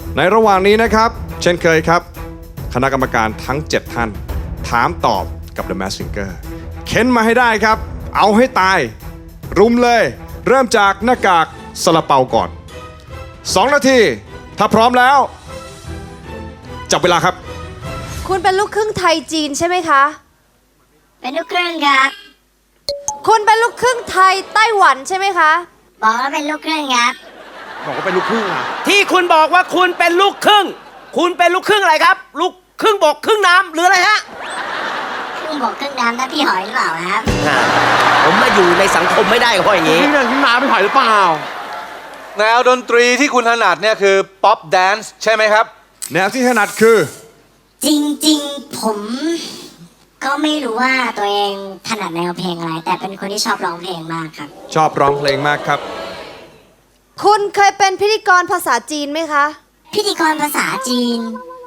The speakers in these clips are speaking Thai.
ในระหว่างนี้นะครับเช่นเคยครับคณะกรรมการทั้ง 7 ท่านถามตอบกับ The Masked Singer เค้นมาให้ได้ครับเอาให้ตายรุมเลยเริ่มจากหน้ากากซาลาเปาก่อน2 นาทีถ้าพร้อมแล้วจับเวลาครับคุณเป็นลูกครึ่งไทยจีนใช่ไหมคะเป็นลูกครึ่งครับคุณเป็นลูกครึ่งไทยไต้หวันใช่ไหมคะบอกว่าเป็นลูกครึ่งครับบอกว่าเป็นลูกครึ่งอะที่คุณบอกว่าคุณเป็นลูกครึ่งคุณเป็นลูกครึ่งอะไรครับลูกครึ่งบกครึ่งน้ำหรืออะไรฮะครึ่งบกครึ่งน้ำนะพี่หอยหรือเปล่าครับผมมาอยู่ในสังคมไม่ได้ก็เพราะอย่างนี้นี่นั่นพี่น้ำพี่หอยหรือเปล่าแนวดนตรีที่คุณถนัดเนี่ยคือป๊อปแดนซ์ใช่ไหมครับแนวที่ถนัดคือจริงๆผมก็ไม่รู้ว่าตัวเองถนัดแนวเพลงอะไรแต่เป็นคนที่ชอบร้องเพลงมากครับชอบร้องเพลงมากครับคุณเคยเป็นพิธีกรภาษาจีนไหมคะพิธีกรภาษาจีน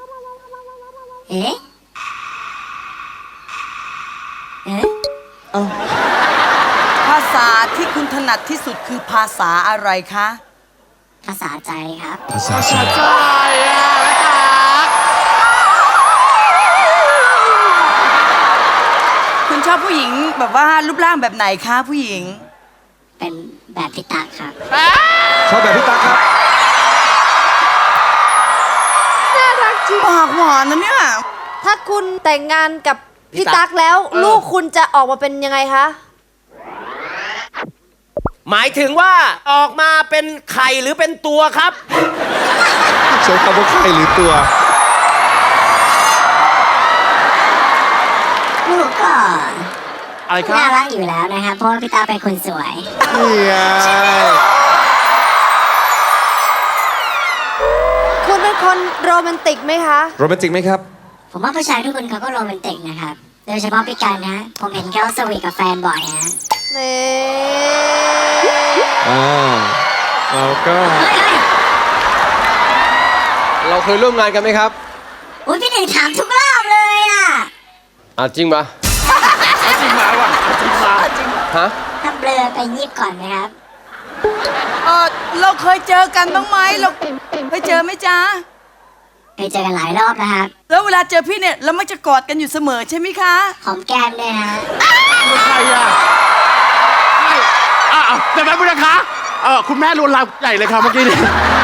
ภาษาที่คุณถนัดที่สุดคือภาษาอะไรคะภาษาใจครับภาษาใจอะคุณชอบผู้หญิงแบบว่ารูปร่างแบบไหนคะผู้หญิงเป็นแบบพี่ตั๊กครับชอบแบบพี่ตั๊กครับน่ารักจริงปากหวานนะเนี่ยถ้าคุณแต่งงานกับพี่ตั๊กแล้วลูกคุณจะออกมาเป็นยังไงคะหมายถึงว่าออกมาเป็นไข่หรือเป็นตัวครับใช้คำว่าไข่หรือตัวลูกก็อะไรครับน่ารักอยู่แล้วนะครับเพราะว่าพี่ตั๊กเป็นคนสวยนี่ไงคุณเป็นคนโรแมนติกไหมคะโรแมนติกไหมครับผมว่าผู้ชายทุกคนเขาก็โรแมนติกนะครับโดยเฉพาะพี่กันนะผมเห็นเขาสวีทกับแฟนบ่อยนะเราก็เราเคยร่วมงานกันไหมครับอุ้ยพี่หนึ่งถามทุกรอบเลยอ่ะจริงปะจริงมาว่ะจริงมาฮะถ้าเบลอไปยิบก่อนนะครับเราเคยเจอกันบ้างไหมเราเคยเจอไหมจ๊ะเคยเจอกันหลายรอบนะครับแล้วเวลาเจอพี่เนี่ยเรามักจะกอดกันอยู่เสมอใช่ไหมคะหอมแก้มด้วยฮะไม่ใช่อ่ะแต่แม่บุญนะคะคุณแม่ลวนลามใหญ่เลยค่ะเมื่อกี้นี้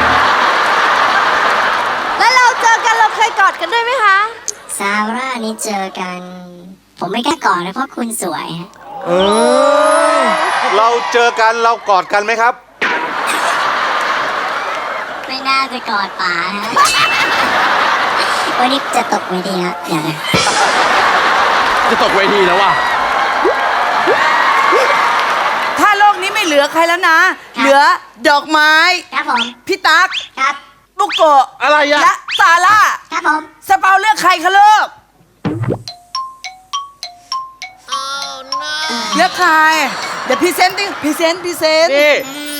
แล้วเราเจอกันเราเคยกอดกันด้วยไหมคะซาร่านี่เจอกันผมไม่กล้ากอดเลยเพราะคุณสวยเราเจอกันเรากอดกันไหมครับไม่น่าจะกอดป๋าฮะวันนี้จะตกเวทีฮะอย่าเลยจะตกเวทีแล้วว่ะถ้าโลกนี้ไม่เหลือใครแล้วนะเหลือดอกไม้ครับผมพี่ตั๊กครับบุกโกะอะไรอะและซาร่าครับผมสเปาเลือกใครคะลูกเลือกใครเดี๋ยวพรีเซนต์นี่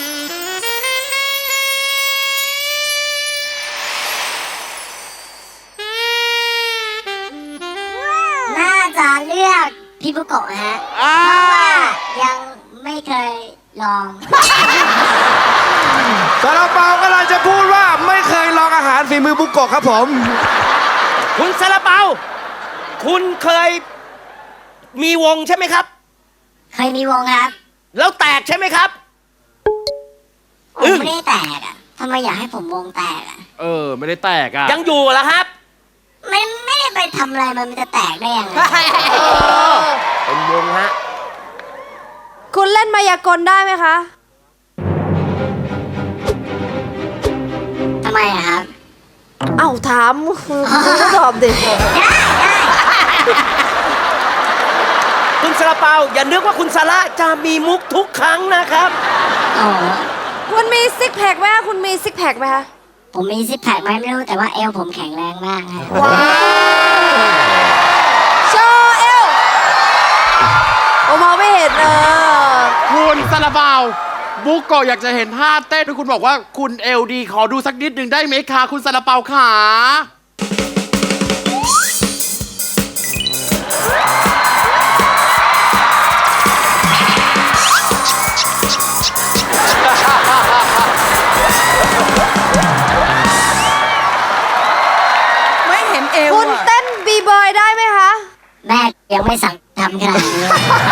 น่าจะเลือกพี่บุโกะฮะเพราะว่ายังไม่เคยลองซาลาเปากำลังจะพูดว่าไม่เคยลองอาหารฝีมือบุโกะครับผมคุณซาลาเปาคุณเคยมีวงใช่ไหมครับเคยมีวงครับแล้วแตกใช่ไหมครับผมไม่ได้แตกอ่ะทำไมอยากให้ผมวงแตกอ่ะไม่ได้แตกอ่ะยังอยู่เหรอครับไม่ได้ไปทำอะไรมันจะแตกได้ยังไงเป็นวงฮะคุณเล่นมายากลได้ไหมคะทำไมอะครับเอ้าถามคุณก็ตอบดิได้คุณซาลาเปาอย่านึกว่าคุณซาร่าจะมีมุกทุกครั้งนะครับคุณมีซิกแพคไหมคุณมีซิกแพคไหมคะผมมีซิกแพคไหมไม่รู้แต่ว่าเอวผมแข็งแรงมากฮะว้าวโชว์เอวผมมองไม่เห็นคุณซาลาเปาบุกโกะอยากจะเห็นท่าเต้นที่คุณบอกว่าคุณเอลดีขอดูสักนิดหนึ่งได้ไหมคะคุณซาลาเปาขายังไม่สั่งทำขนาดนี้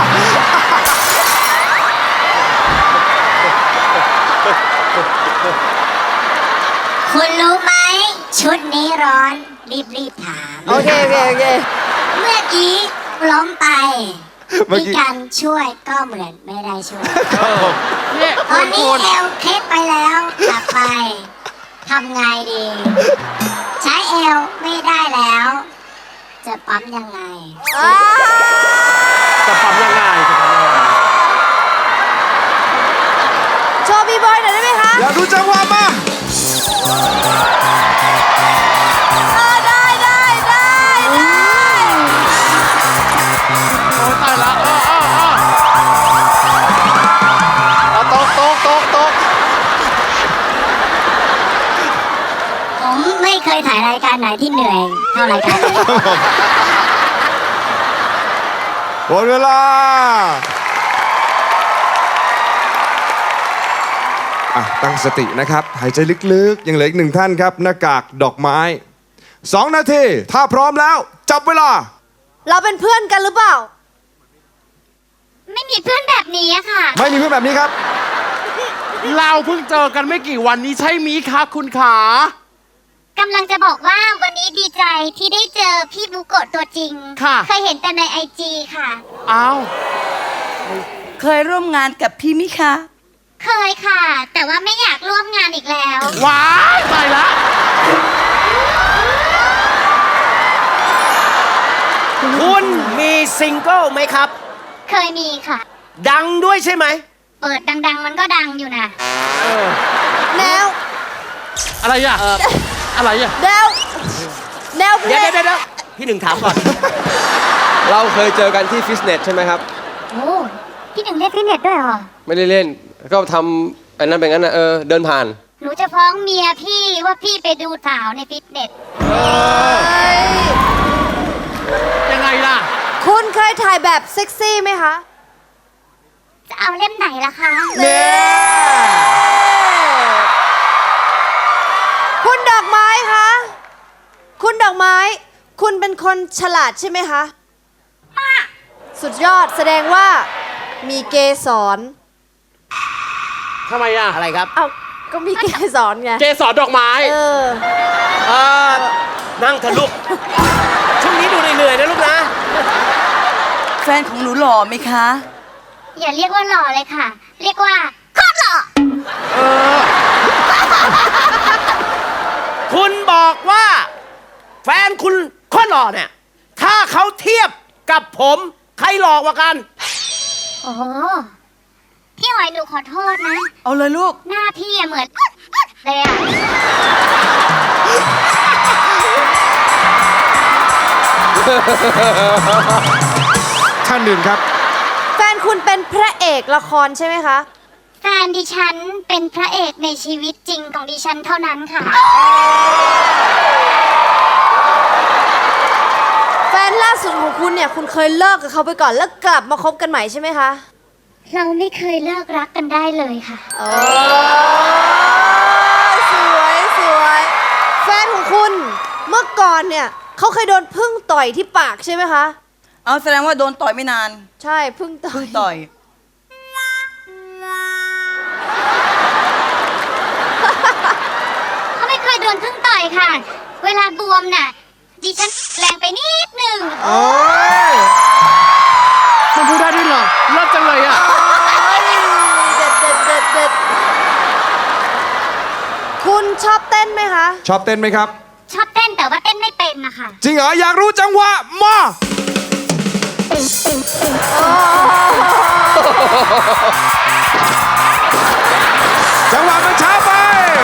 คุณรู้ไหม ชุดนี้ร้อน รีบถามโอเคโอเคโอเคเมื่อกี้ล้มไปเมื่อกี้พี่กันช่วยก็เหมือนไม่ได้ช่วยเนี่ยตอนนี้คุณเอวเคล็ดไปแล้วกลับไปทำไงดี ใช้เอวไม่ได้แล้ว จะปั๊มยังไงจะปั๊มยังไงโชว์บีบอยหน่อยได้ไหมคะอยากดูจังหวะมาได้ได้ได้โอ้ยตายละเอาโต๊ะผมไม่เคยถ่ายรายการไหนที่เหนื่อยเท่ารายการนี้หมดเวลาตั้งสตินะครับ หายใจลึกๆ ยังเหลืออีกหนึ่งท่านครับ หน้ากากดอกไม้ 2 นาที ถ้าพร้อมแล้ว จับเวลาเราเป็นเพื่อนกันหรือเปล่าไม่มีเพื่อนแบบนี้อะค่ะไม่มีเพื่อนแบบนี้ครับเราเพิ่งเจอกันไม่กี่วันนี้ใช่มีคะคุณขากำลังจะบอกว่าวันนี้ดีใจที่ได้เจอพี่บุโกะตัวจริงค่ะเคยเห็นแต่ในIG ค่ะอ้าวเคยร่วมงานกับพี่มิคะเคยค่ะ แต่ว่าไม่อยากร่วมงานอีกแล้วว้ายตายละคุณมีซิงเกิลไหมครับเคยมีค่ะดังด้วยใช่ไหมเปิดดัง ๆ มันก็ดังอยู่นะแนวอะไรอ่ะอะไรอ่ะแนวแนวเพลเดี๋ยวงเดี๋ยวพี่หนึ่งถามก่อนเราเคยเจอกันที่ฟิตเนสใช่ไหมครับโอ้พี่หนึ่งเล่นฟิตเนสด้วยเหรอไม่ได้เล่น ก็ทำอันนั้นเป็นงั้นนะเดินผ่านหนูจะฟ้องเมียพี่ว่าพี่ไปดูสาวในฟิตเนสยังไงล่ะคุณเคยถ่ายแบบเซ็กซี่ไหมคะจะเอาเล่มไหนล่ะคะคุณดอกไม้คะ คุณดอกไม้ คุณเป็นคนฉลาดใช่ไหมคะ สุดยอดแสดงว่ามีเกสรทำไมอ่ะอะไรครับเอ้าก็มีเกสรไงเกสรดอกไม้เออเอ่อนั่งเถอะลูก ช่วงนี้ดูเหนื่อยๆนะลูกนะแฟนของหนูหล่อไหมคะอย่าเรียกว่าหล่อเลยค่ะ เรียกว่าโคตรหล่อคุณบอกว่า แฟนคุณคนหล่อเนี่ย ถ้าเขาเทียบกับผม ใครหล่อกว่ากันโอ้โหพี่หอยหนูขอโทษนะเอาเลยลูกหน้าพี่อะเหมือนเลยอะท่านหนึ่งครับแฟนคุณเป็นพระเอกละครใช่ไหมคะแฟนดิฉันเป็นพระเอกในชีวิตจริงของดิฉันเท่านั้นค่ะแฟนล่าสุดของคุณเนี่ย คุณเคยเลิกกับเขาไปก่อนแล้วกลับมาคบกันใหม่ใช่ไหมคะเราไม่เคยเลิกรักกันได้เลยค่ะโอ้สวยสวยแฟนของคุณเมื่อก่อนเนี่ยเขาเคยโดนพึ่งต่อยที่ปากใช่ไหมคะเอาแสดงว่าโดนต่อยไม่นานใช่พึ่งต่อยต่อยเขาไม่เคยโดนพึ่งต่อยค่ะ เวลาบวมน่ะ ดิฉันแรงไปนิดหนึ่งโอ้ยมันพูดได้ด้วยเหรอเลิศจังเลยอ่ะเด็ดเด็ดเด็ดเด็ดคุณชอบเต้นไหมคะชอบเต้นไหมครับชอบเต้นแต่ว่าเต้นไม่เป็นนะคะจริงเหรอ อยากรู้จังหวะ มา จังหวะมันช้าไป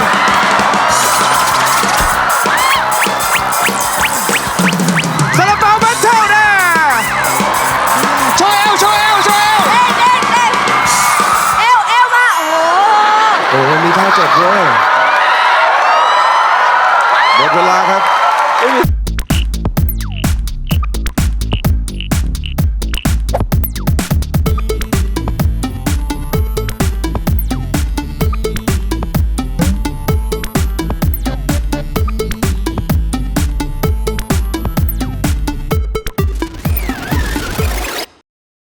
ซาลาเปาแบทเทิลนะโชว์เอวโชว์เอวโชว์เอวเต้นเต้นเต้นเอวเอวมา โอ้โหโอ้มีท่าเจ็บด้วยหมดเวลาครับ